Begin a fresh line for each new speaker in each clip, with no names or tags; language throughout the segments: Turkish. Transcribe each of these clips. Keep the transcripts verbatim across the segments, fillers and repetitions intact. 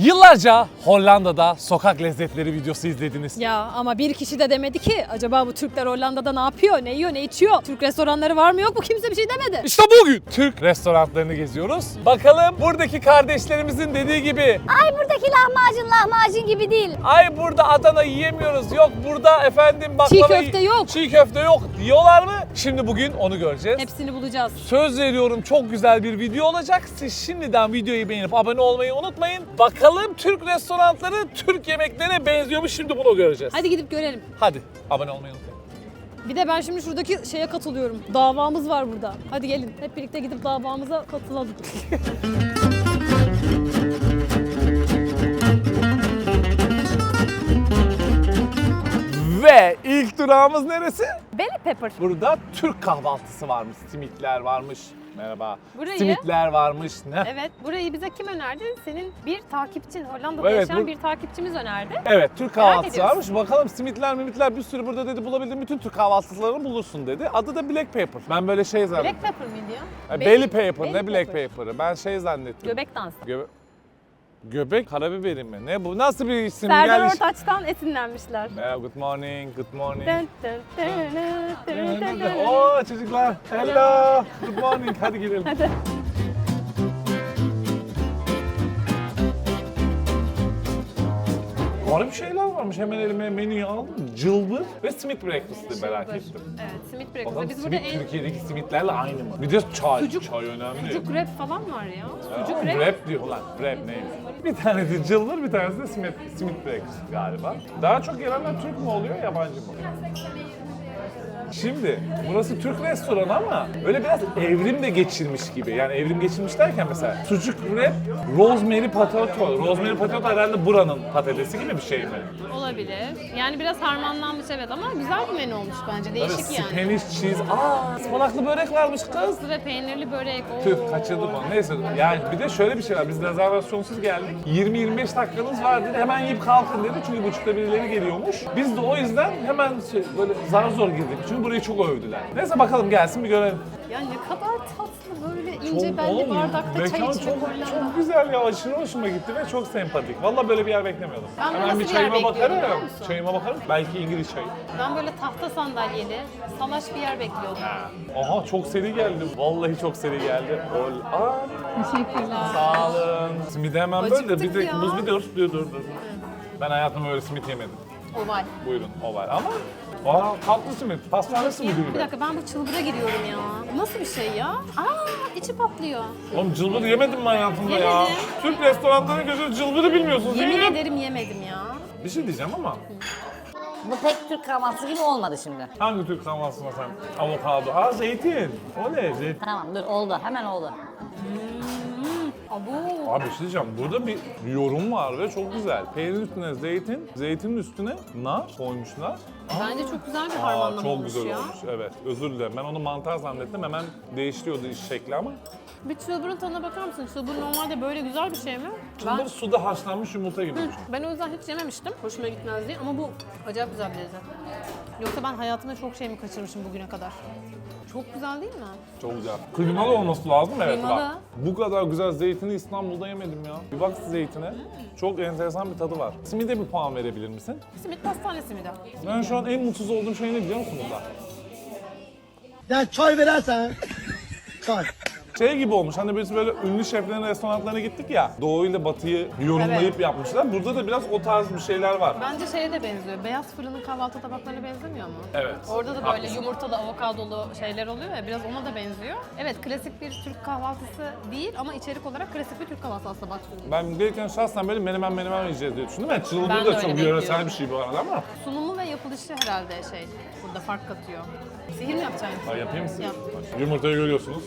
Yıllarca Hollanda'da sokak lezzetleri videosu izlediniz.
Ya ama bir kişi de demedi ki acaba bu Türkler Hollanda'da ne yapıyor, ne yiyor, ne içiyor? Türk restoranları var mı yok mu kimse bir şey demedi.
İşte bugün Türk restoranlarını geziyoruz. Bakalım buradaki kardeşlerimizin dediği gibi
Ay buradaki lahmacun lahmacun gibi değil.
ay burada Adana yiyemiyoruz, yok burada efendim baklava...
Çiğ köfte yok.
Çiğ köfte yok diyorlar mı? Şimdi bugün onu göreceğiz.
Hepsini bulacağız.
Söz veriyorum çok güzel bir video olacak. Siz şimdiden videoyu beğenip abone olmayı unutmayın. Bakalım Türk restoranları Türk yemeklerine benziyor mu? Şimdi bunu göreceğiz.
Hadi gidip görelim.
Hadi abone olmayı unutmayın.
Bir de ben şimdi şuradaki şeye katılıyorum. Davamız var burada. Hadi gelin hep birlikte gidip davamıza katılalım.
Ve ilk durağımız neresi?
Belly pepper.
Burada Türk kahvaltısı varmış. Simitler varmış. Merhaba.
Burayı-
Simitler varmış. Ne?
Evet, burayı bize kim önerdi? Senin bir takipçin, Hollanda'da
Evet,
yaşayan
bu-
bir takipçimiz önerdi.
Evet, Türk
Merak
kahvaltısı
ediyoruz.
varmış. Bakalım simitler mimitler bir sürü burada dedi, bulabildiğin bütün Türk kahvaltılarını bulursun dedi. Adı da Black Pepper. Ben böyle şey zannettim.
Black pepper mıydı ya?
Ha, Belly Pepper,
belly
ne Black
pepper.
Pepper'ı? Ben şey zannettim.
Göbek dansı.
Göbe Göbek karabiberi mi? Ne bu? Nasıl bir isim?
Serdar
Gel iş-
Ortaç'tan esinlenmişler.
Merhaba, good morning, good morning.
Dın dın dın dın dın dın dın.
Oo çocuklar, hello, good morning. Hadi gidelim.
Hadi.
Garip şeyler varmış. Hemen elime menüyü aldım. Cılbır ve simit breakfast'ı merak ettim.
Evet, simit breakfast'ı.
Bakalım
Biz burada
simit
en
Türkiye'deki simitlerle aynı mı? Bir de çay.
Sucuk-
çay önemli.
sucuk wrap falan var ya. Sucuk
Aa,
wrap.
Wrap diyor lan. Wrap neymiş? Bir tanesi cılbır, bir tanesi de simit, simit breakfast galiba. Daha çok gelenler Türk mü oluyor, yabancı mı? Şimdi burası Türk restoranı ama öyle biraz evrim de geçirmiş gibi. Yani evrim geçirmiş derken mesela sucuk wrap, rosemary potato. Rosemary potato herhalde buranın patatesi gibi bir şey mi?
Olabilir. Yani biraz harmanlanmış evet ama güzel bir menü olmuş bence.
Böyle
Değişik yani.
Spanish cheese. Aa, ıspanaklı börek varmış kız.
Ve peynirli börek. Oo.
Tüh kaçırdık onu. Neyse yani bir de şöyle bir şey var. Biz rezervasyonsuz geldik. yirmi yirmi beş dakikanız var dedi. Hemen yiyip kalkın dedi. Çünkü buçukta birileri geliyormuş. Biz de o yüzden hemen şey, böyle zar zor girdik. Çünkü burayı çok övdüler. Neyse bakalım gelsin bir görelim.
Ya ne kadar tatlı böyle ince
Çok-
belli
oğlum,
bardakta çay
mekan
içmek
çok,
Hollanda.
çok güzel ya. Aşırı hoşuma gitti ve çok sempatik. Vallahi böyle bir yer beklemiyordum.
Ben de
Hemen
nasıl
bir
bir
çayıma
yer bekliyordum biliyor
bakarım.
musun?
Çayıma bakarım. Belki İngiliz çayı.
Ben böyle tahta sandalyeli, salaş bir yer bekliyordum.
Ha. Aha çok seri geldi. Vallahi çok seri geldi. Ol. Aa.
Teşekkürler.
Sağ olun. Simidi hemen böyle de
Acıktık
bir de
ya.
buz bir dur dur dur dur. Ben hayatımda öyle simit yemedim.
Oval.
Buyurun oval ama aa tatlı simit. Pastane simidi
Bir
gibi.
dakika ben bu çılbıra giriyorum ya. Nasıl bir şey ya? Aa içi patlıyor.
Oğlum cılbır yemedim mi hayatımda ya?
Yemedim.
Türk restoranlarına göre cılbırı bilmiyorsunuz değil
Yemin
mi?
ederim yemedim ya.
Bir şey diyeceğim ama
Bu pek Türk kahvaltısı gibi olmadı şimdi.
hangi Türk kahvaltısına sen? Avokado. Aa zeytin. O ne? Zeytin.
Tamam dur oldu hemen oldu.
Abo.
Abi bir şey diyeceğim. Burada bir yorum var ve çok güzel. Peynirin üstüne zeytin, zeytinin üstüne nar koymuşlar.
Bence çok güzel bir
Aa,
harmanlama
çok
olmuş
güzel
ya.
olmuş. Evet, özür dilerim. Ben onu mantar zannettim. Hemen değiştiriyordu iş şekli ama.
Bir çılbırın tadına bakar mısın? Çılbır normalde böyle güzel bir şey mi?
Çılbır
Ben,
suda haşlanmış yumurta gibi.
ben o yüzden hiç yememiştim. Hoşuma gitmez diye ama bu acayip güzel bir lezzet. Yoksa ben hayatımda çok şey mi kaçırmışım bugüne kadar? Çok güzel değil mi?
Çok güzel. Kıymalı olması lazım evet
Kıymalı.
bak. Bu kadar güzel zeytini İstanbul'da yemedim ya. Bir bak zeytine. Çok enteresan bir tadı var. Simide bir puan verebilir misin?
Simit pastanesi mi de?
Ben şu an en mutsuz olduğum şey ne biliyor musun burada?
Ya çay verersen. Çay.
Şey gibi olmuş hani biz böyle ünlü şeflerin restoranlarına gittik ya. Doğu ile batıyı yorumlayıp
Evet.
yapmışlar. Burada da biraz o tarz bir şeyler var.
Bence şeye de benziyor. Beyaz fırının kahvaltı tabaklarına benzemiyor mu?
Evet.
Orada da böyle
Haklısın.
yumurtalı, avokadolu şeyler oluyor ya. Biraz ona da benziyor. Evet, klasik bir Türk kahvaltısı değil ama içerik olarak klasik bir Türk kahvaltısı aslında baktığında.
Ben gelirken şahsen böyle menemen menemen yiyeceğiz diye düşündüm. Evet, çılbır
Ben de
da
öyle
çok
bekliyorum.
yöresel bir şey bu arada ama.
Sunumu ve yapılışı herhalde şey burada fark katıyor. Sihir mi yapacaksın?
Ha, yapayım mı size?
Yap.
Yumurtayı görüyorsunuz.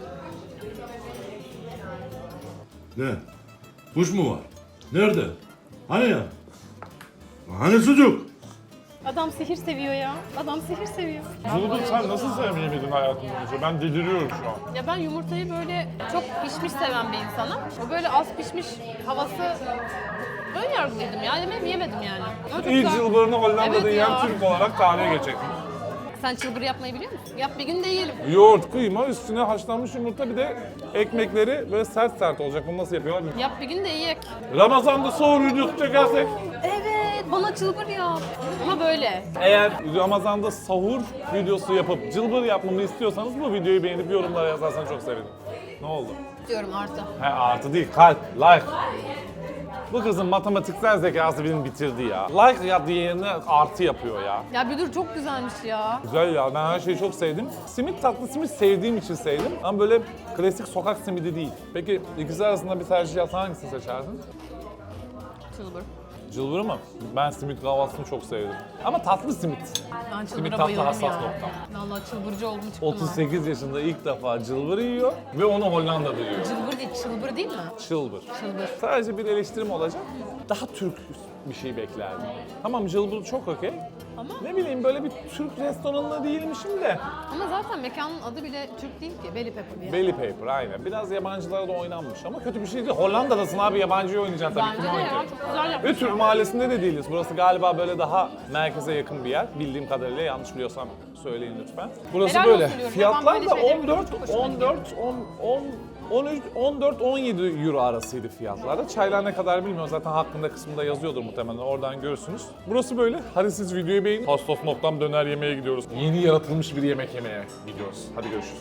Ne? Kuş mu var? Nerede? Hani ya? Hani sucuk?
Adam sihir seviyor ya. Adam sihir seviyor.
Cılbır sen nasıl sevmeyemedin hayatın boyunca? Ben deliriyorum şu an.
Ya ben yumurtayı böyle çok pişmiş seven bir insanım. O böyle az pişmiş havası ön yargılıydım ya. Yemedim, yemedim yani. Ama çok
İlk
güzel.
cılbırını Hollanda'da
Evet
yiyen
ya.
Türk olarak tarihe geçecek.
Sen çılbır yapmayı biliyor musun? Yap bir gün de yiyelim.
Yoğurt, kıyma, üstüne haşlanmış yumurta, bir de ekmekleri böyle sert sert olacak. Bunu nasıl yapıyorlar bilmiyorum.
Yap bir gün de yiyek.
Ramazan'da sahur videosu çekersek.
Evet, bana çılbır yap. Ama böyle.
Eğer Ramazan'da sahur videosu yapıp cılbır yapmamı istiyorsanız bu videoyu beğenip yorumlara yazarsan çok sevinirim. Ne oldu?
Diyorum artı.
He, artı değil, kalp, like. Bu kızın matematiksel zekası beni bitirdi ya. Like ya diğerine artı yapıyor ya.
Ya bir dur, çok güzelmiş ya.
Güzel ya, ben her şeyi çok sevdim. Simit, tatlı simit sevdiğim için sevdim. Ama böyle klasik sokak simidi değil. Peki ikisi arasında bir tercih yapsan hangisini seçerdin?
Çılbır.
Cılbır mı? Ben simit kahvaltısını çok sevdim. Ama tatlı simit.
Ben
Simit
çılbıra
tatlı
bayıldım
hassas
ya.
noktam.
Vallahi çılbırcı oldum çıktım
otuz sekiz yaşında ilk defa cılbır yiyor ve onu Hollanda'da yiyor.
ha. Çılbır değil, çılbır değil mi?
Çılbır.
Çılbır.
Sadece bir eleştirim olacak. Daha Türk bir şey beklerdim. Tamam, cılbır çok okey.
Ama
Ne bileyim, böyle bir Türk restoranında değilmişim de.
ama zaten mekanın adı bile Türk değil ki. Belly Pepper yani.
Belly paper aynen. Biraz yabancılara da oynanmış ama kötü bir şey değil. Hollanda'dasın abi, yabancıyı oynayacaksın tabii.
Bence
Kim
de ya,
oynayacak?
çok güzel yapmış.
Ve Türk mahallesinde de değiliz. Burası galiba böyle daha merkeze yakın bir yer. Bildiğim kadarıyla, yanlış biliyorsam söyleyin lütfen. Burası
Helal
böyle.
olsun diyorum.
Fiyatlar
Ben böyle
da
şeyleri
on dört,
çok hoşuma
on dört, on, on, on üç, on dört, on yedi euro arasıydı fiyatlarda. Çaylar ne kadar bilmiyorum. Zaten hakkında kısmında yazıyordur muhtemelen. Oradan görürsünüz. Burası böyle. Hadi siz videoyu beğenin. Hastos noktam döner yemeye gidiyoruz. Yeni yaratılmış bir yemek yemeye gidiyoruz. Hadi görüşürüz.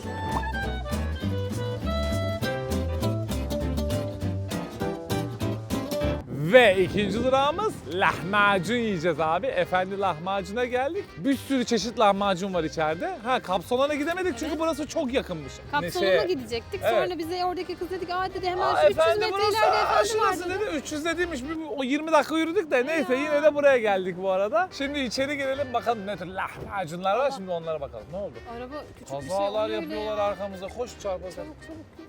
Ve ikinci durağımız lahmacun yiyeceğiz abi. Efendi lahmacuna geldik. Bir sürü çeşit lahmacun var içeride. Ha, Kapsolan'a gidemedik çünkü burası çok yakınmış.
Kapsoluna
Neşe.
gidecektik.
Evet.
Sonra bize oradaki kız dedi ki aa dedi hemen
Aa,
şu üç yüz
efendi
metre
burası,
ileride
aa,
efendi var
şurası
dedi.
dedi. üç yüz dediymiş. Bir, o yirmi dakika yürüdük de neyse, yine de buraya geldik bu arada. Şimdi içeri girelim bakalım ne tür lahmacunlar var. Şimdi onlara bakalım. Ne oldu?
Araba küçük bir şey
Kazalar
oluyor
yapıyorlar
öyle ya.
arkamıza. Koş çarpasın.
Çabuk çabuk.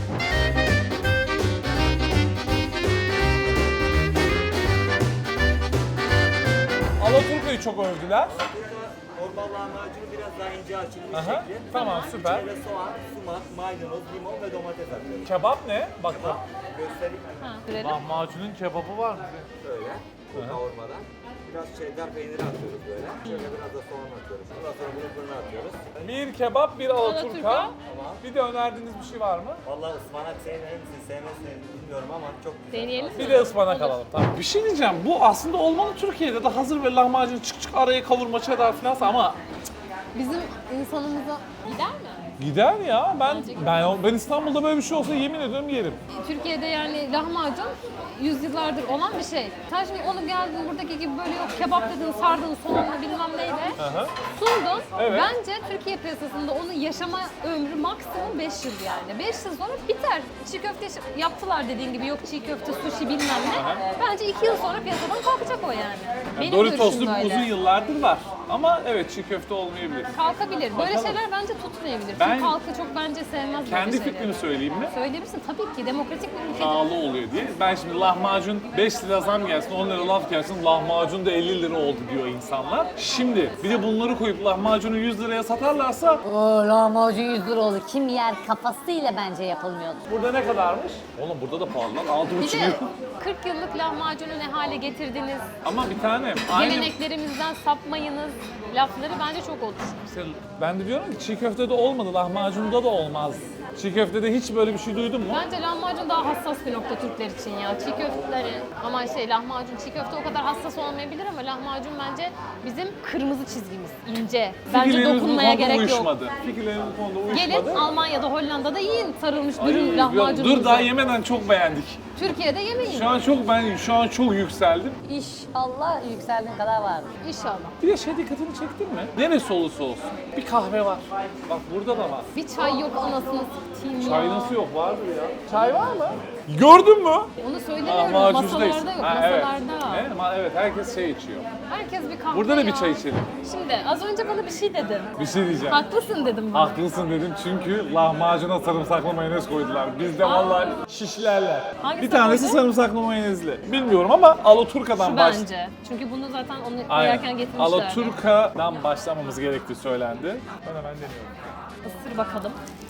Alaturka'yı çok övdüler.
Normal lahmacunu biraz daha ince açılmış
Aha,
şekli.
tamam, süper.
İçine soğan, sumak, maydanoz, limon ve domates atıyoruz.
Kebap ne? Bak bak.
Göstereyim
Ha, görelim.
Lahmacunun kebabı var mı?
şöyle. Bu kavurmadan. Biraz cheddar peyniri atıyoruz böyle. Şöyle biraz da soğan atıyoruz. Ondan sonra bunu fırına atıyoruz.
Bir kebap, bir alaturka.
Alaturka.
Bir de önerdiğiniz bir şey var mı?
Vallahi ıspanak sevmeyi misin, sevmezsin bilmiyorum ama çok güzel.
Deneyelim mi?
Bir de ıspanak alalım. Tamam. Bir şey diyeceğim. Bu aslında olmalı Türkiye'de de hazır böyle lahmacun çık çık araya kavurma cheddar falan ama
Bizim insanımıza gider mi?
gider ya. Ben
Bence
ben ben İstanbul'da böyle bir şey olsa yemin ediyorum yerim.
Türkiye'de yani lahmacun yüzyıllardır olan bir şey. Sen şimdi onu geldin buradaki gibi böyle yok kebap dedin, sardın, soğanla bilmem neyle
Aha.
sundun.
Evet.
Bence Türkiye piyasasında onun yaşama ömrü maksimum beş yıl yani. beş yıl sonra biter. Çiğ köfte yaptılar dediğin gibi, yok çiğ köfte, sushi bilmem ne. Bence iki yıl sonra piyasadan kalkacak o yani. Benim
Doritos'lu
görüşüm böyle.
uzun yıllardır var. Ama evet, çiğ köfte olmayabilir.
Kalkabilir. Böyle
Bakalım.
şeyler bence tutmayabilir.
Ben-
Çünkü halkı çok bence sevmez
Kendi
böyle şeyleri.
fikrimi söyleyeyim mi?
Söyleyebilirsin tabii ki. Demokratik bir ülkede.
Pahalı oluyor diye. Ben şimdi lahmacun beş lira zam gelsin, on lira laf gelsin, lahmacun da elli lira oldu diyor insanlar. Şimdi bir de bunları koyup lahmacunu yüz liraya satarlarsa
Oo, lahmacun yüz lira olur. Kim yer kafasıyla bence yapılmıyordu.
burada ne kadarmış? Oğlum burada da pahalı lan. Altı
Bir
buçuk
de
euro.
kırk yıllık lahmacunu ne hale getirdiniz,
Ama bir tane aynı...
geleneklerimizden sapmayınız lafları bence çok olur.
Mesela ben de diyorum ki çiğ köftede olmadı, lahmacunda da olmaz. Çiğ köftede hiç böyle bir şey duydun mu?
Bence lahmacun daha hassas bir nokta Türkler için ya. Çiğ köfteleri ama şey lahmacun, çiğ köfte o kadar hassas olmayabilir ama lahmacun bence bizim kırmızı çizgimiz, ince. Bence
Fikirlerimiz bu
dokunmaya
konuda
gerek yok.
uyuşmadı. Fikirlerimiz bu konuda uyuşmadı.
Gelin Almanya'da, Hollanda'da yiyin sarılmış
Ay,
dürüm
yok,
lahmacununuzu.
dur daha yemeden çok beğendik.
Türkiye'de yemeyin.
Şu an çok ben şu an çok yükseldim.
İnşallah yükseldiğin kadar vardır.
İnşallah.
Bir de şey dikkatini çektin mi? Neresi olursa olsun bir kahve var. Bak burada da var.
Bir çay yok anasını satayım ya.
Çay nasıl yok? Vardır ya. Çay var mı? Gördün mü?
Onu söylemiyorum.
Lahmacuncudayız.
Masalarda yok,
Ha, evet.
masalarda.
Evet, ma- evet, herkes şey içiyor.
Herkes bir kahve
Burada da
ya.
bir çay içelim.
Şimdi az önce bana bir şey dedin.
Bir şey diyeceğim.
Haklısın dedim bana.
Haklısın dedim çünkü lahmacuna sarımsaklı mayonez koydular. Bizde vallahi şişlerler.
Hangisi
Bir tanesi
koydu?
sarımsaklı mayonezli. Bilmiyorum ama Alaturka'dan
Şu
baş...
bence. Çünkü bunu zaten onu koyarken
Aynen.
getirmişlerdi.
Alaturka'dan başlamamız gerektiği söylendi. Ben hemen deniyorum.
Isır bakalım.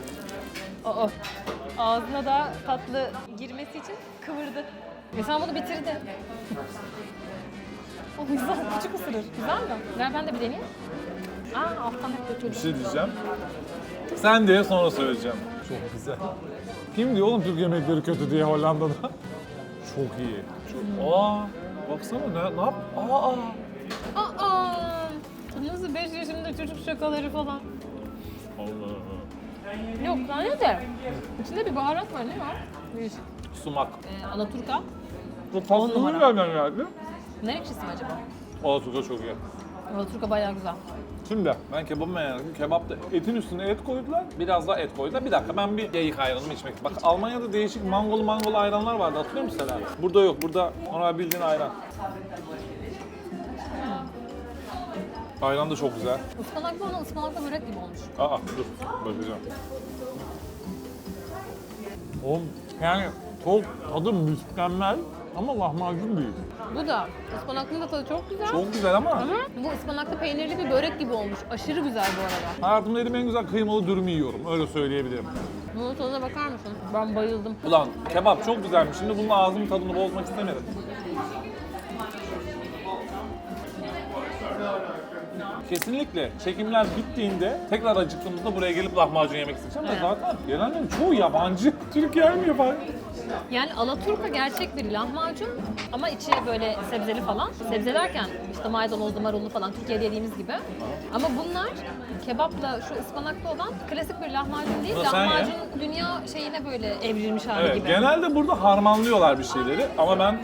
Aa, ağzına da tatlı girmesi için kıvırdı. Ve sen bunu bitirdin. O güzel, küçük ısırır. Güzel mi? Ver ben de bir deneyeyim. Aa alttan hep
Bir
götürdüm.
şey diyeceğim. Sen diye sonra söyleyeceğim. Çok güzel. Kim diyor oğlum Türk yemekleri kötü diye Hollanda'da? Çok iyi. Çok... Aa, baksana ne, ne yap? Aa,
Aa, nasıl beş yaşında çocuk şakaları falan.
Allah Allah.
Yok tane de. İçinde bir baharat var, ne var? Bir
Sumak.
e, alaturka.
Bu
On
tatlı
numara.
nereden geldi?
Ne ekşisi mi acaba?
Alaturka çok iyi.
Alaturka bayağı güzel.
Şimdi ben kebabı beğendim. Kebapta etin üstüne et koydular. Biraz daha et koydular. Bir dakika ben bir yayık ayranımı içmek. Bak Almanya'da değişik mangolu mangolu ayranlar vardı. Hatırlıyor musun Selen? Burada yok. Burada normal bildiğin ayran. Ayran da çok güzel.
Ispanaklı olan ıspanaklı börek gibi olmuş.
Aa dur bakacağım. Oğlum yani çok tadı mükemmel ama lahmacun değil.
Bu da ıspanaklı da tadı çok güzel.
Çok güzel ama
Ama bu ıspanaklı peynirli bir börek gibi olmuş. Aşırı güzel bu arada.
hayatımda yediğim en güzel kıymalı dürümü yiyorum. Öyle söyleyebilirim.
Bunun tadına bakar mısın? Ben bayıldım.
Ulan kebap çok güzelmiş. Şimdi bunun ağzımın tadını bozmak istemedim. Kesinlikle çekimler bittiğinde tekrar acıktığımızda buraya gelip lahmacun yemek isteyeceğim.
Evet.
Ve zaten gelenlerin çoğu yabancı. Türk gelmiyor falan.
Yani alaturka gerçek bir lahmacun ama içi böyle sebzeli falan. Sebze derken işte maydanozlu, marullu falan Türkiye'de yediğimiz gibi. Ama bunlar kebapla şu ıspanaklı olan klasik bir lahmacun değil.
Bunu sen ye.
Lahmacun dünya şeyine böyle evrilmiş hali
Evet,
gibi.
genelde burada harmanlıyorlar bir şeyleri ama ben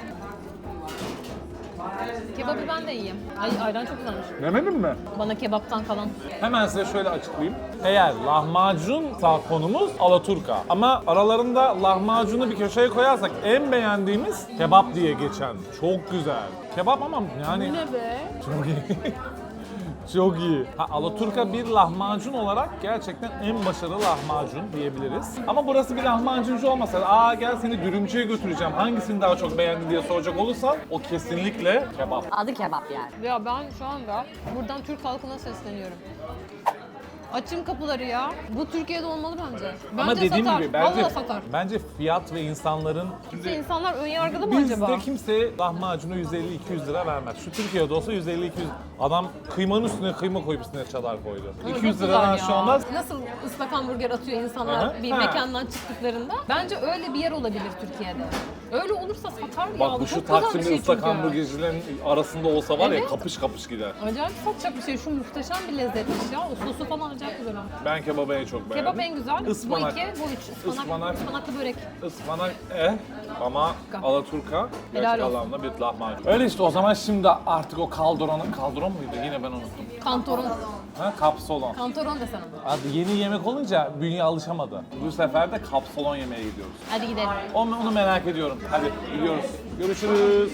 Kebabı ben de yiyeyim. Ay ayran çok güzelmiş.
demedim mi?
Bana kebaptan kalan.
Hemen size şöyle açıklayayım. Eğer lahmacun konumuz alaturka ama aralarında lahmacunu bir köşeye koyarsak en beğendiğimiz kebap diye geçen. Çok güzel. Kebap ama yani
Ne be?
çok iyi. Çok iyi. Ha, alaturka bir lahmacun olarak gerçekten en başarılı lahmacun diyebiliriz. Ama burası bir lahmacuncu olmasa, aa gel seni dürümcüye götüreceğim, hangisini daha çok beğendin diye soracak olursan o kesinlikle kebap.
Adı kebap yani.
Ya ben şu anda buradan Türk halkına sesleniyorum. Açın kapıları ya. Bu Türkiye'de olmalı bence. Bence
Ama dediğim
satar.
gibi bence,
Vallahi satar.
bence fiyat ve insanların
Kimse insanlar ön yargılı mı acaba?
bizde kimse lahmacunu yüz elli iki yüz lira vermez. Şu Türkiye'de olsa yüz elli iki yüz. Adam kıymanın üstüne kıyma koyup üstüne çadar koydu.
Ama
iki
çok
yüz
güzel
liradan
ya.
şu anda
Nasıl ıslak hamburger atıyor insanlar
Aha.
bir
Ha.
mekandan çıktıklarında? Bence öyle bir yer olabilir Türkiye'de. Öyle olursa satar ya.
bak bu
Çok
şu
güzel bir
Taksim'de
şey
ıslak
çünkü.
hamburgercilerin arasında olsa var ya
Evet.
kapış kapış gider.
Acayip satacak bir şey. Şu muhteşem bir lezzetmiş ya. O sosu falan acayip güzel. ha.
Ben kebabı en çok beğendim.
Kebap en güzel.
Ispanak.
Bu iki, bu üç. Ispanak,
Ispanak.
ıspanaklı börek.
Ispanak eh ama alaturka
Helal
gerçek
olsun.
anlamda bir lahmacun. Öyle işte o zaman şimdi artık o kaldronun, kaldron muydu yine ben unuttum.
Kantoron.
Ha kapsolon.
Kantoron desen onu.
Abi yeni yemek olunca bünye alışamadı. Bu sefer de kapsolon yemeye gidiyoruz.
Hadi gidelim.
Onu, onu merak ediyorum. Hadi gidiyoruz. Görüşürüz.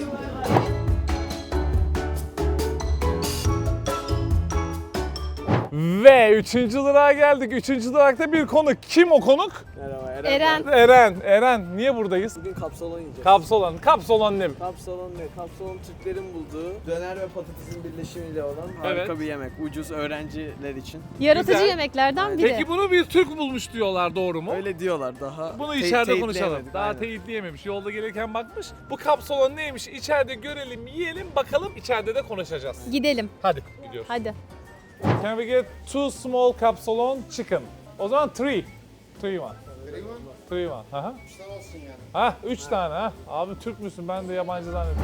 Ve üçüncü durağa geldik. Üçüncü durakta bir konuk. Kim o konuk?
Merhaba Eren.
Eren.
Eren. Eren. Niye buradayız?
Bugün kapsalon yiyeceğiz.
Kapsolon. Kapsolon ne?
Kapsalon ne? Kapsalon Türklerin bulduğu döner ve patatesin birleşimiyle olan harika
Evet.
bir yemek. Ucuz öğrenciler için.
Yaratıcı
Güzel.
yemeklerden biri.
Peki bunu bir Türk bulmuş diyorlar, doğru mu?
Öyle diyorlar daha.
Bunu
te-
içeride konuşalım.
teyitleyemedik,
Daha
aynen.
teyitleyememiş. Yolda gelirken bakmış. Bu kapsolon neymiş? İçeride görelim, yiyelim, bakalım. İçeride de konuşacağız.
Gidelim.
Hadi gidiyoruz.
Hadi.
Can we get two small capsalon chicken? O zaman three. Three one. Three one. Aha. Üç tane olsun yani. Ha, üç tane ha. Abi Türk müsün? Ben de yabancı zannettim.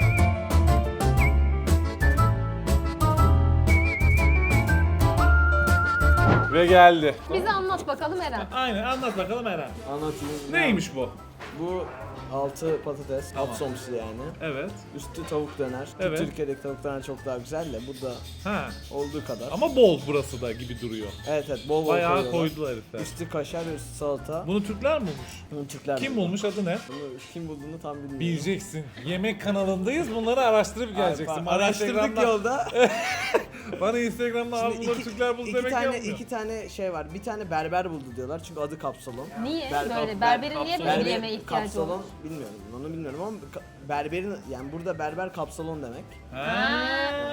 Ve geldi.
Bize anlat bakalım Eren.
Aynen, anlat bakalım Eren.
Anlatayım.
Neymiş bu?
Bu altı patates, alt somsu yani.
Evet.
Üstü tavuk döner. Ki
Evet.
Türkiye'deki tavuk döner çok daha güzel de burada
Ha.
olduğu kadar.
Ama bol burası da gibi duruyor.
Evet evet bol bol
Bayağı
koyuyorlar.
koydular herifler.
Üstü kaşar, üstü salata.
Bunu Türkler mi bulmuş?
Bunu Türkler
Kim
buldu.
bulmuş, adı ne?
Bunu kim bulduğunu tam bilmiyorum.
Bileceksin. Yemek kanalındayız. Bunları araştırıp geleceksin.
Ay,
Bana
Araştırdık
Instagram'dan-
yolda.
Bana Instagram'da abi
Şimdi
bunları
iki,
Türkler buldu
iki
demek
tane,
olmuyor.
iki tane şey var. Bir tane berber buldu diyorlar çünkü adı kapsalon.
Niye
Ber-
böyle?
ber-
Berberin niye böyle bir
Berber-
yemeğe ihtiyacı
kapsalon,
olur?
bilmiyorum onu bilmiyorum ama ka- berberin yani burada berber kapsalon demek.
Ha.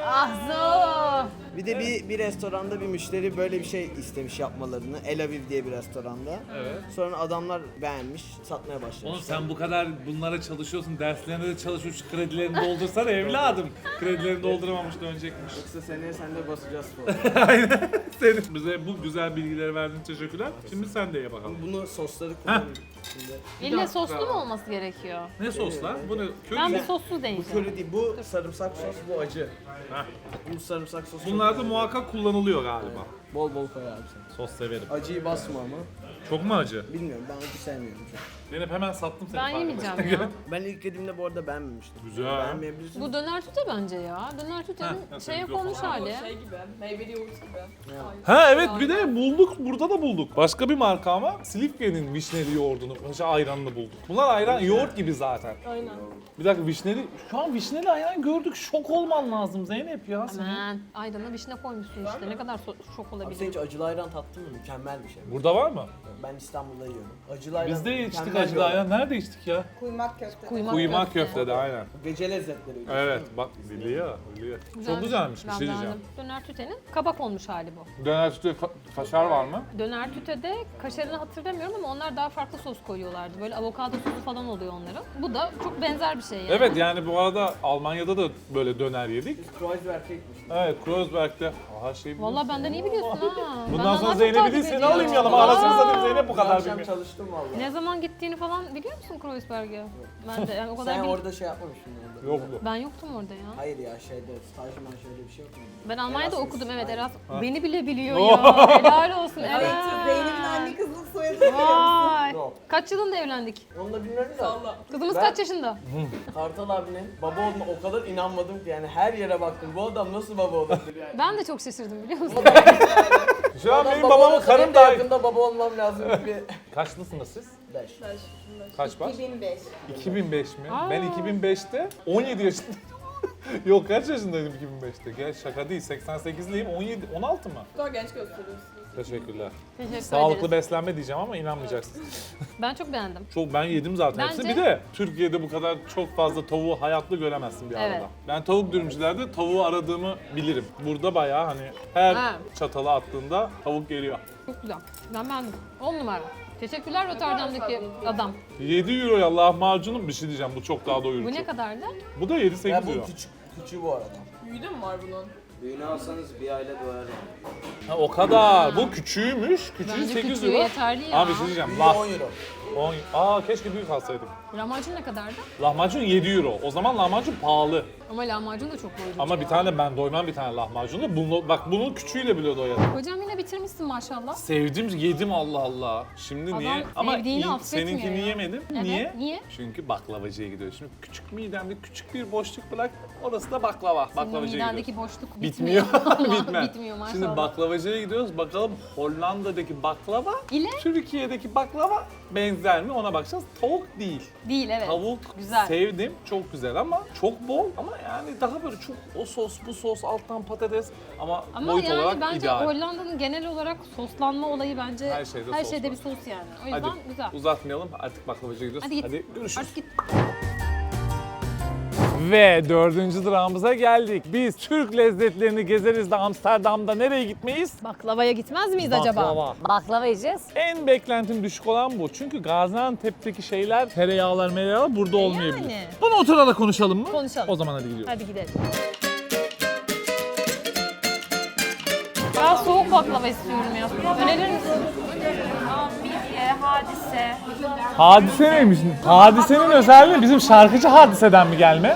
Ah Zo.
Bir de bir, bir restoranda bir müşteri böyle bir şey istemiş yapmalarını. El Aviv diye bir restoranda.
Evet.
Sonra adamlar beğenmiş, satmaya başlamışlar.
Oğlum sen bu kadar bunlara çalışıyorsun, derslerine de çalışıyorsun, kredilerini doldursana evladım. Kredilerini dolduramamış dönecekmiş.
Yoksa seneye sen de basacağız falan.
Aynen. Senin bize bu güzel bilgileri verdiğin için teşekkürler. Şimdi sen de ye bakalım.
Bunu sosları kullanayım. Şimdi.
İlle soslu mu olması gerekiyor?
Ne soslar? Bu ne? Köri
Ben
mi?
bir soslu
Bu
deneyeceğim.
köri değil, bu sarımsak sos, bu acı.
Heh.
Bu sarımsak sosu.
Bunlar da muhakkak kullanılıyor galiba.
Bol bol koy abi sen.
Sos severim.
Acıyı basma ama.
Çok mu acı?
Bilmiyorum, ben acı sevmiyorum çok.
Zeynep hemen sattım seni.
Ben
fark
yemeyeceğim
etmezsen.
ya.
Ben ilk yediğimde bu arada beğenmemiştim.
Güzel.
Beğenmeyebilirsin.
Bu döner tüte bence ya. Döner tütenin
Heh,
şeye
mikrofon
konmuş
al.
hali.
Şey gibi, meyveli yoğurt gibi.
Ha evet bir de bulduk. Burada da bulduk. Başka bir marka ama Silifke'nin vişneli yoğurdunu, şey ayranını bulduk. Bunlar ayran yoğurt gibi zaten.
Aynen.
Bir dakika vişneli, şu an vişneli ayran gördük. Şok olman lazım Zeynep ya senin.
Aman aydana vişne koymuşsun işte. Ne kadar so- şok
Abi sen
olabilir.
hiç acılı ayran tattın mı? Mükemmel bir şey.
Burada var mı?
Ben İstanbul'da yiyorum. Acılı ayran
Biz de içtik
mükemmel bir
acılı
olay.
ayran. Nerede içtik ya?
Kuymak köfte.
Kuymak,
Kuymak köftede aynen.
Gece lezzetleri.
Evet bak biliyor, biliyor. Çok güzelmiş bir
Ben
şey diyeceğim.
beğendim. Döner tütenin kabak olmuş hali bu.
Döner sütü ka- kaşar var mı?
Döner tütede kaşarını hatırlamıyorum ama onlar daha farklı sos koyuyorlardı. Böyle avokado sosu falan oluyor onların. Bu da çok benzer bir şey yani.
Evet yani bu arada Almanya'da da böyle döner yedik.
Kreuzberg'e gitmiştim.
Evet Kreuzberg'de. Aha şey biliyorsun.
Vallahi benden iyi biliyorsun ha.
Bundan
Ben
sonra
daha çok
Zeynep'i
takip
değil seni
ediyorum.
alayım yanıma.
Aa!
Arasını satayım Zeynep bu
Bu
kadar
akşam
bilmiyor.
çalıştım valla.
Ne zaman gittiğini falan biliyor musun Kreuzberg'e? Ben de yani o kadar
Sen
bil-
orada şey yapmamıştın orada.
Yok mu?
Ben yoktum orada ya.
Hayır ya şeyde stajman şöyle bir şey yok mu?
Ben Almanya'da
Erasmus.
okudum evet
Aynen.
Erasmus. Beni bile biliyor ya. Helal olsun. Evet.
Zeynep'in anne kızlık soyadını biliyor musun?
Vay.
Yok.
Kaç yılında evlendik?
Onu da bilmiyorum da.
Allah.
Kızımız
Ben-
kaç yaşında?
Kartal abinin baba olduğuna o kadar inanmadım ki yani her yere baktım. Bu adam nasıl baba olabilir yani?
Ben de çok şaşırdım biliyor musun?
Şu an
Adam
benim
baba
babamın
olsa
karım
benim de
daha...
yakında baba olmam lazım gibi.
Kaçlısınız siz?
Beş.
Kaç var?
iki bin beş.
iki bin beş mi?
Aa.
Ben iki bin beşte on yedi yaşındaydım. Yok kaç yaşındaydım iki bin beşte? Gel şaka değil seksen sekizliyim on yedi on altı mı?
Daha genç gösteriyorsunuz.
Teşekkürler.
Teşekkür
Sağlıklı
ederiz.
beslenme diyeceğim ama inanmayacaksınız.
Ben çok beğendim.
Çok ben yedim zaten hepsini.
Bence-
Bir de Türkiye'de bu kadar çok fazla tavuğu hayatlı göremezsin bir
Evet.
arada. Ben tavuk dürümcülerde tavuğu aradığımı bilirim. Burada bayağı hani her
Ha.
çatala attığında tavuk geliyor.
Çok güzel. Ben beğendim. on numara. Teşekkürler Rotterdam'daki adam.
yedi euroya lahmacunum bir şey diyeceğim bu çok daha doyurucu.
Bu ne kadardı?
Bu da yedi
Ya
sekiz
bu
euro.
küçük, küçüğü bu arada.
Büyüdü mü var bunun?
Düğünü alsanız bir aile doyar yani.
Ha, o kadar. Bu küçüğümüş. Küçüğü
Bence
sekiz
küçüğü
euro.
yeterli ya.
Abi bir şey diyeceğim.
Büyüğü
Lah,
on euro.
on, aa keşke büyük alsaydım.
Lahmacun ne kadardı?
Lahmacun yedi euro. O zaman lahmacun pahalı.
Ama lahmacun da çok doyurucu.
Ama bir
ya.
tane ben doymam bir tane lahmacunu. Bunu, bak bunun küçüğüyle bile doyarım.
Hocam yine bitirmişsin maşallah.
Sevdim, yedim Allah Allah. Şimdi
Adam
niye? Ama
sevdiğini
iyi-
affetmiyor
seninkini
ya.
yemedim.
Evet,
Niye?
niye?
Çünkü baklavacıya gidiyoruz. Şimdi küçük midemde küçük bir boşluk bırak. Orası da baklava.
Senin
Baklavacıya gidiyoruz.
midendeki boşluk
Bitmiyor.
bitmiyor.
Bitmez.
Bitmiyor maşallah.
Şimdi baklavacıya gidiyoruz. Bakalım Hollanda'daki baklava
İle?
Türkiye'deki baklava benzer mi ona bakacağız. Tavuk değil.
Değil evet.
Tavuk
Güzel.
sevdim. Çok güzel ama çok bol ama yani daha böyle çok o sos bu sos alttan patates ama,
Ama
boyut
yani
olarak
bence
ideal.
Hollanda'nın genel olarak soslanma olayı bence
Her şeyde
her
sos
şeyde
var.
bir sos yani. O yüzden
Hadi
güzel.
uzatmayalım artık baklavacıya gidiyoruz.
Hadi git.
görüşürüz.
Artık git.
Ve dördüncü durağımıza geldik. Biz Türk lezzetlerini gezeriz de Amsterdam'da nereye gitmeyiz?
Baklavaya gitmez miyiz acaba?
Baklava.
Baklava yiyeceğiz.
En beklentim düşük olan bu. Çünkü Gaziantep'teki şeyler, tereyağlar, mereyağlar burada olmayabilir.
yani.
Bunu oturarak konuşalım mı?
Konuşalım.
O zaman hadi gidiyoruz.
Hadi gidelim. Ben soğuk baklava istiyorum ya. Önerir misin?
Midye, hadise.
Hadise neymiş? Hadisenin özelliği bizim şarkıcı Hadise'den mi gelme?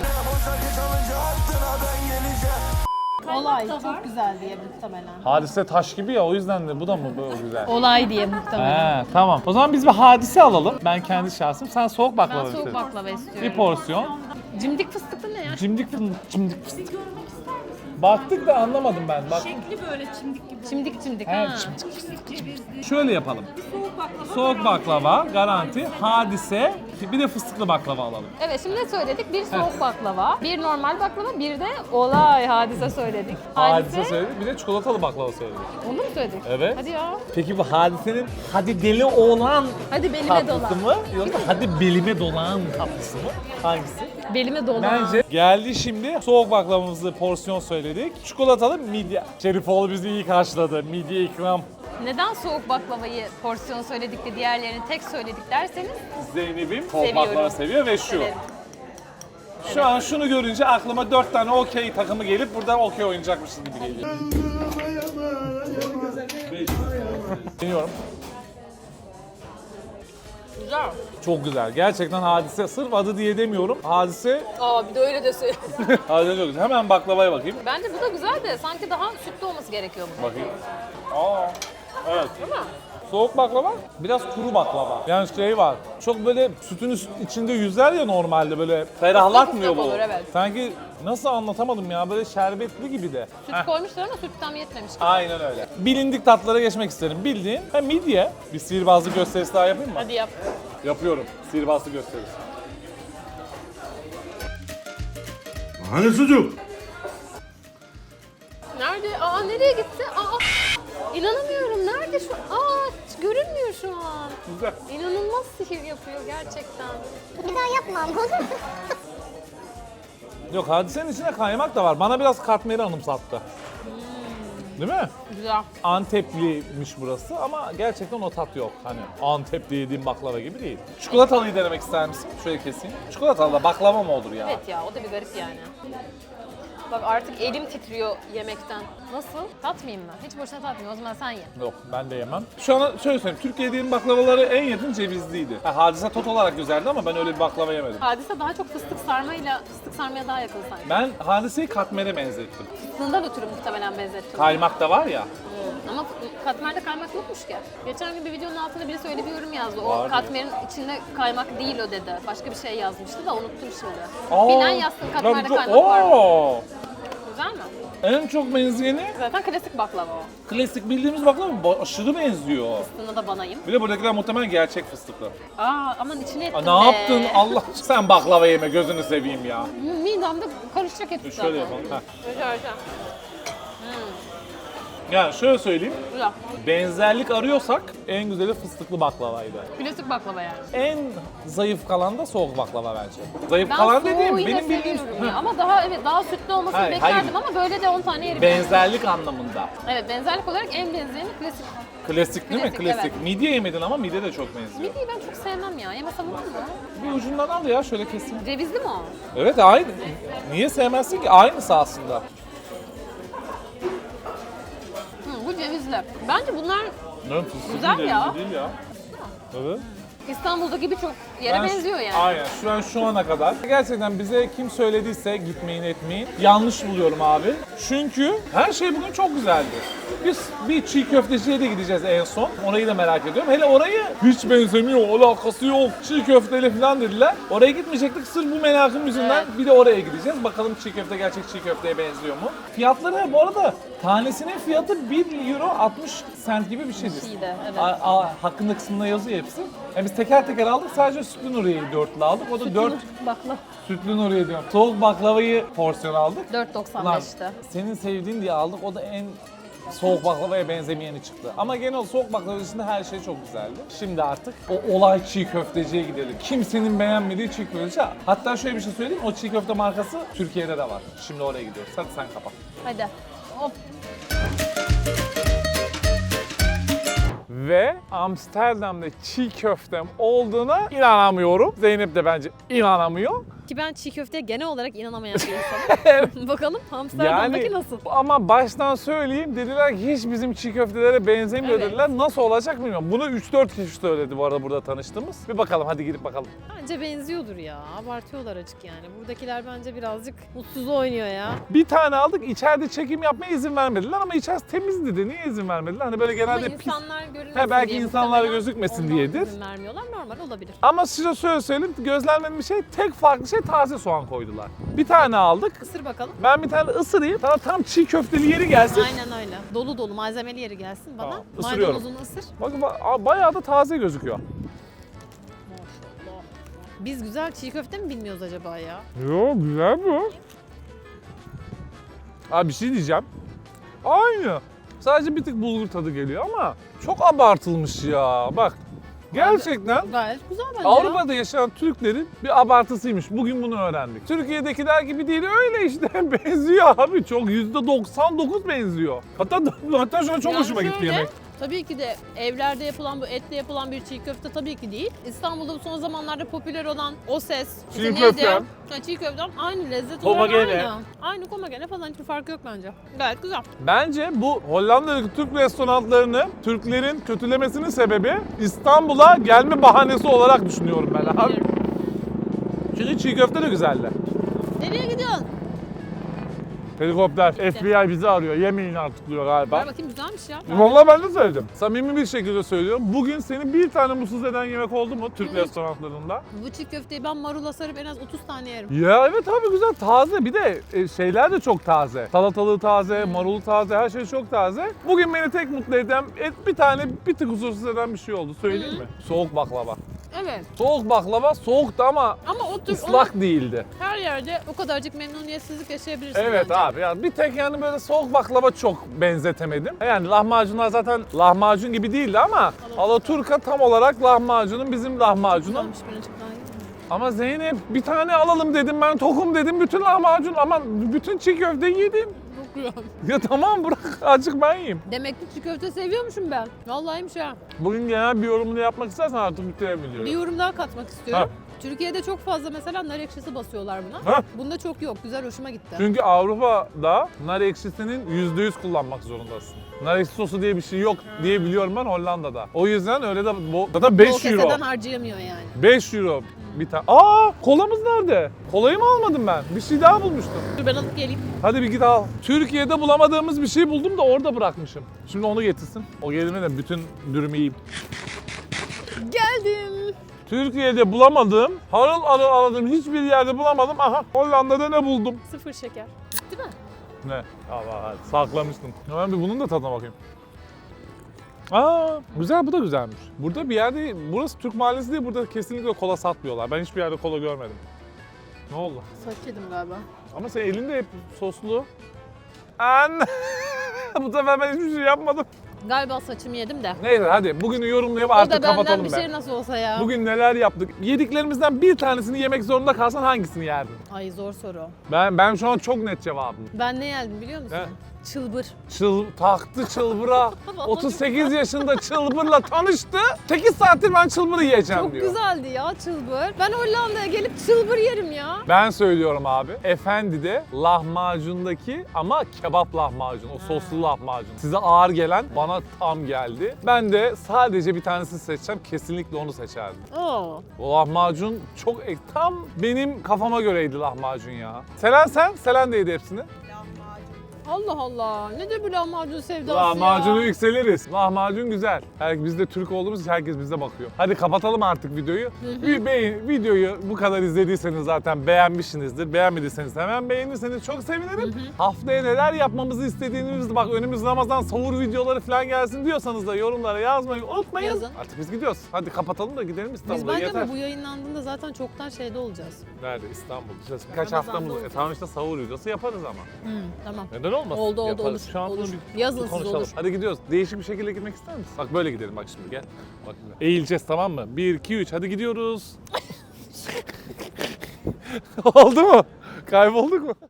Olay çok güzel diye muhtemelen.
Hadise taş gibi ya o yüzden de bu da mı böyle güzel?
Olay diye muhtemelen.
He tamam. O zaman biz bir hadise alalım. Ben kendi şahsım. Sen soğuk baklava
Ben soğuk
istiyorsun.
baklava istiyorum.
Bir porsiyon.
Cimdik fıstıklı ne ya?
Cimdik fındık, cimdik fıstık. Baktık da anlamadım ben. Bak.
Şekli böyle çimdik gibi.
Çimdik çimdik
He,
ha.
cimdik fıstık. Şöyle yapalım.
Soğuk baklava.
Soğuk baklava, garanti, hadise, bir de fıstıklı baklava alalım.
Evet şimdi ne söyledik? Bir soğuk baklava, bir normal baklava, bir de olay hadise söyledik.
Hadise söyledik, bir de çikolatalı baklava söyledik.
Onu mu söyledik?
Evet.
Hadi ya.
Peki bu hadisenin hadi deli oğlan
Hadi belime
tatlısı
dolan.
mı yoksa hadi belime dolan tatlısı mı? Hangisi?
Belime dolan.
Bence geldi şimdi. Soğuk baklavamızı porsiyon söyledik. Çikolatalı midye. Şerifoğlu bizi iyi karşıladı. Midye ikram.
Neden soğuk baklavayı porsiyon söyledik de diğerlerini tek söyledik derseniz
Zeynep'im soğuk
Seviyorum.
baklava seviyor ve şu.
evet.
Şu an şunu görünce aklıma dört tane okey takımı gelip burada okey oynayacakmışız gibi geliyor. Deniyorum.
Güzel.
Çok güzel. Gerçekten Hadise. Sırf adı diye demiyorum. Hadise,
Aa bir de öyle de söyle.
Hadise çok güzel. Hemen baklavaya bakayım.
Bence bu da güzel de sanki daha sütlü olması gerekiyor bu.
Bakayım. Aa, evet.
Değil mi?
Soğuk baklava, biraz kuru baklava. Yani şey var, çok böyle sütün üst- içinde yüzer ya normalde böyle ferahlatmıyor
Islak
bu.
olur, evet.
Sanki nasıl anlatamadım ya, böyle şerbetli gibi de.
Süt
Heh,
koymuşlar ama süt tam yetmemiş.
aynen öyle. Bilindik tatlara geçmek isterim. Bildiğin ha, midye. Bir sihirbazlık gösterisi daha yapayım mı?
Hadi yap.
Yapıyorum. Sihirbazlık gösterisi.
Hani sucuk?
Nerede? Aa nereye gitti? Aa inanamıyorum. Nerede şu? Aa hiç görünmüyor şu an.
Güzel.
İnanılmaz sihir yapıyor gerçekten.
Bir daha yapmam olur mu?
Yok, Hadise'nin içinde kaymak da var. Bana biraz katmeri anımsattı. Değil mi?
Güzel.
Antepliymiş burası ama gerçekten o tat yok. Hani Antep'te yediğim baklava gibi değil. Çikolatalıyı denemek ister misin? Şöyle keseyim. Çikolatalı da baklava mı olur ya?
Evet ya o da bir garip yani. Bak artık elim titriyor yemekten. Nasıl? Tatmayayım mı? Hiç boşuna tatmayayım. O zaman sen ye.
Yok, ben de yemem. Şu an şöyle söyleyeyim, Türkiye'de yediğim baklavaları en yakın cevizliydi. Ha, Hadise tot olarak güzeldi ama ben öyle bir baklava yemedim.
Hadise daha çok fıstık sarmayla, fıstık sarmaya daha yakın sanki.
Ben Hadise'yi katmere benzettim.
Fıstığından ötürü muhtemelen benzettim.
Kaymak da var ya.
Ama katmerde kaymak yokmuş ki. Geçen gün bir videonun altında birisi öyle bir yorum yazdı. O
Var mı?
katmerin içinde kaymak değil o dedi. Başka bir şey yazmıştı da unuttum şimdi.
Aa,
Bilen yazsın
tabii
katmerde
çok-
kaymak var mı?
Oo!
Güzel mi?
En çok benzeyeni
Zaten klasik baklava o.
klasik bildiğimiz baklava ba- aşırı benziyor.
Fıstığına da banayım.
Bir de buradakiler muhtemelen gerçek fıstıklı.
Aa aman içine ettim
Aa,
be.
ne yaptın? Allah sen baklava yeme, gözünü seveyim ya.
Midemde karışacak hepsi zaten.
Şöyle yapalım. Heh.
Şöyle şöyle.
Yani şöyle söyleyeyim.
Güzel.
Benzerlik arıyorsak en güzeli fıstıklı baklavaydı.
Klasik baklava yani.
En zayıf kalan da soğuk baklava bence. Zayıf
Ben
kalan
soğuğu
dediğim
yine
benim bildiğim
seviyorum ya. Ama daha evet daha sütlü olmasını
Hayır,
beklerdim
hayır.
ama böyle de on tane yerim.
benzerlik anlamında.
Evet benzerlik olarak en benzeyeni klasik.
Klasik değil mi?
Klasik,
Klasik.
evet.
Midye yemedin ama midye de çok benziyor.
Midyeyi ben çok sevmem ya. Yemesem olur mu?
Bir ucundan al ya, şöyle keseyim.
Cevizli mi o?
Evet, aynı. Niye sevmezsin ki? Aynısı aslında.
Hı, bu cevizli. Bence bunlar
Ne fıstıklı
Güzel
cevizli
ya.
değil ya. Evet.
İstanbul'daki birçok yere
Ben-
benziyor yani.
Aynen. Şu an şu ana kadar. Gerçekten bize kim söylediyse gitmeyin etmeyin. Yanlış buluyorum abi. Çünkü her şey bugün çok güzeldi. Biz bir çiğ köfteciye de gideceğiz en son. Orayı da merak ediyorum. Hele orayı hiç benzemiyor, alakası yok. Çiğ köfteli falan dediler. Oraya gitmeyecektik sırf bu merakım yüzünden. Bir de oraya gideceğiz. Bakalım çiğ köfte gerçek çiğ köfteye benziyor mu? Fiyatları bu arada tanesinin fiyatı bir euro altmış sent gibi bir şeydi.
şeydi, evet.
A- a- hakkında kısmında yazıyor hepsi. Yani biz teker teker aldık, sadece sütlü Nuriye'yi dörtlü aldık. O da dört
Bakla.
sütlü Nuriye diyorum. Soğuk baklavayı porsiyon aldık.
dört doksan
Ulan
beşti.
senin sevdiğin diye aldık, o da en soğuk baklavaya benzemeyeni çıktı. Ama genel soğuk baklava dışında her şey çok güzeldi. Şimdi artık o olay çiğ köfteciye gidelim. Kimsenin beğenmediği çiğ köfteci. Hatta şöyle bir şey söyleyeyim, o çiğ köfte markası Türkiye'de de var. Şimdi oraya gidiyoruz. Hadi sen kapat.
Hadi. Hop.
Ve Amsterdam'da çiğ köftem olduğuna inanamıyorum. Zeynep de bence inanamıyor.
Ki ben çiğ köfteye genel olarak inanamayan bir insanım. Bakalım Amsterdam'daki nasıl?
Ama baştan söyleyeyim, dediler ki hiç bizim çiğ köftelere benzemiyor
Evet.
dediler. Nasıl olacak bilmiyorum. Bunu üç dört kişi söyledi bu arada burada tanıştığımız. Bir bakalım, hadi girip bakalım.
Bence benziyordur ya. Abartıyorlar açık yani. Buradakiler bence birazcık mutsuz oynuyor ya.
Bir tane aldık, içeride çekim yapmaya izin vermediler ama içerisi temizdi de niye izin vermediler? Hani böyle
Ama
genelde pis.
insanlar görünmesin
He, belki
diye
insanlar
muhtemelen
gözükmesin
ondan
diyedir.
izin vermiyorlar. Normal olabilir.
Ama size şöyle söyleyeyim, gözlenmedim bir şey, tek farklı şey taze soğan koydular. Bir tane aldık.
Isır bakalım.
Ben bir tane ısırayım, sana tam çiğ köfteli yeri gelsin.
Aynen öyle. Dolu dolu malzemeli yeri gelsin bana.
Tamam, ısırıyorum.
Maydanozunu ısır.
Bakın ba- bayağı da taze gözüküyor.
Maşallah. Biz güzel çiğ köfte mi bilmiyoruz acaba ya?
Yo, güzel bu. Abi bir şey diyeceğim. Aynı. Sadece bir tık bulgur tadı geliyor ama çok abartılmış ya. Bak. Gerçekten
Gayet güzel bence.
Avrupa'da yaşayan Türklerin bir abartısıymış. Bugün bunu öğrendik. Türkiye'dekiler gibi değil, öyle işte. Benziyor abi, çok yüzde doksan dokuz benziyor. Hatta hatta şu an çok
Yani
hoşuma gitti
şöyle,
yemek.
Tabii ki de evlerde yapılan bu etle yapılan bir çiğ köfte tabii ki değil. İstanbul'da bu son zamanlarda popüler olan o ses.
Çiğ
işte neydi?
köfte.
Ha, çiğ köftem aynı lezzet
Komagene.
olarak aynı. Aynı komagene falan, hiçbir farkı yok bence. Gayet güzel.
Bence bu Hollanda'daki Türk restoranlarını Türklerin kötülemesinin sebebi İstanbul'a gelme bahanesi olarak düşünüyorum ben abi. Çünkü çiğ köfte de güzeldi.
Nereye gidiyorsun?
Helikopter, F B I bizi arıyor. Yemeyin artık diyor galiba.
Ver bakayım, güzelmiş ya.
Vallahi ben de söyledim. Samimi bir şekilde söylüyorum. Bugün seni bir tane mutsuz eden yemek oldu mu Türk restoranlarında?
Bu çiğ köfteyi ben marula sarıp en az otuz tane yerim.
Ya evet abi, güzel, taze. Bir de e, şeyler de çok taze. Salatalığı taze, marulu taze, her şey çok taze. Bugün beni tek mutlu eden et, bir tane bir tık huzursuz eden bir şey oldu. Söyleyeyim mi? Soğuk baklava.
Evet.
Soğuk baklava soğuktu ama
Ama o tür
ıslak
onu
değildi.
her yerde o kadarcık memnuniyetsizlik yaşayabilirsin
Evet
bence.
abi ya, bir tek yani böyle soğuk baklava çok benzetemedim. Yani lahmacunlar zaten lahmacun gibi değildi ama Alaturka tam olarak lahmacunun bizim lahmacunun.
Güzelmiş, birazcık daha iyi.
Ama Zeynep bir tane alalım dedim, ben tokum dedim, bütün lahmacun aman bütün çiğ köfteyi yedim.
Çok güzel.
Ya tamam bırak, azıcık ben yiyeyim.
Demek ki çiğ köfte seviyormuşum ben. Vallahiymiş ha.
Bugün genel bir yorumunu yapmak istersen artık
Bir
bitirebiliyorum.
yorum daha katmak istiyorum.
Ha.
Türkiye'de çok fazla mesela nar ekşisi basıyorlar buna.
Ha.
Bunda çok yok. Güzel, hoşuma gitti.
Çünkü Avrupa'da nar ekşisinin yüzde yüz kullanmak zorundasın. Nar ekşi sosu diye bir şey yok diye biliyorum ben Hollanda'da. O yüzden öyle de bo- zaten
Bol
beş euro.
keseden harcayamıyor yani.
beş euro bir tane. Aa, kolamız nerede? Kolayı mı almadım ben? Bir şey daha bulmuştum.
Dur ben alıp geleyim.
Hadi bir git al. Türkiye'de bulamadığımız bir şey buldum da orada bırakmışım. Şimdi onu getirsin. O geldiğinde de bütün dürümü yiyeyim.
Geldim.
Türkiye'de bulamadığım, harıl harıl aradığım hiçbir yerde bulamadım. Aha, Hollanda'da ne buldum?
Sıfır şeker. Değil mi?
Ne? Allah Allah, saklamıştım. Ya ben bir bunun da tadına bakayım. Aa, güzel, bu da güzelmiş. Burada bir yerde, burası Türk mahallesi değil, burada kesinlikle kola satmıyorlar. Ben hiçbir yerde kola görmedim. Ne oldu?
Saç yedim galiba.
Ama senin elinde hep soslu. Anne! Bu sefer ben hiçbir şey yapmadım.
Galiba saçımı yedim de.
Neyse hadi bugünü yorumlayıp
O da
artık
benden
kapatalım
bir
be.
şey nasıl olsa ya.
Bugün neler yaptık? Yediklerimizden bir tanesini yemek zorunda kalsan hangisini yerdin?
Ay zor soru.
Ben ben şu an çok net cevabım.
Ben ne yedim biliyor musun?
Ne?
Çılbır.
Çıl, taktı çılbıra. otuz sekiz yaşında çılbırla tanıştı. sekiz saattir ben çılbırı yiyeceğim
Çok
diyor.
güzeldi ya çılbır. Ben Hollanda'ya gelip çılbır yerim ya.
Ben söylüyorum abi. Efendi'de lahmacundaki ama kebap lahmacun, o soslu lahmacun. Size ağır gelen bana tam geldi. Ben de sadece bir tanesini seçeceğim. Kesinlikle onu seçerdim.
Oo.
O lahmacun çok tam benim kafama göreydi lahmacun ya. Selen sen? Selen de yedi hepsini.
Allah Allah. Nedir bu lahmacun sevdası
Lahmacunu
ya?
yükseliriz. Lahmacun güzel. Her, biz de Türk olduğumuz için herkes bize bakıyor. Hadi kapatalım artık videoyu. Bir beğen, videoyu bu kadar izlediyseniz zaten beğenmişsinizdir. Beğenmediyseniz hemen beğenirseniz çok sevinirim. Haftaya neler yapmamızı istediğiniz, bak önümüz Ramazan sahur videoları falan gelsin diyorsanız da yorumlara yazmayı unutmayın.
Yazın.
Artık biz gidiyoruz. Hadi kapatalım da gidelim
Biz
İstanbul'a.
bence
Yeter.
ama bu yayınlandığında zaten çoktan şeyde olacağız.
Nerede? İstanbul. İşte birkaç
Ramazan'da
haftamız. E,
olacağız.
tamam işte sahur videosu yaparız ama.
Hı, tamam.
Neden olmasın?
Oldu, oldu,
Yaparız.
olur,
Şu an bunu
olur.
bir
Yazın siz,
konuşalım.
olur.
Hadi gidiyoruz. Değişik bir şekilde gitmek ister misin? Bak böyle gidelim bak şimdi gel. Bak şimdi. Eğileceğiz tamam mı? bir, iki, üç hadi gidiyoruz. Oldu mu? Kaybolduk mu?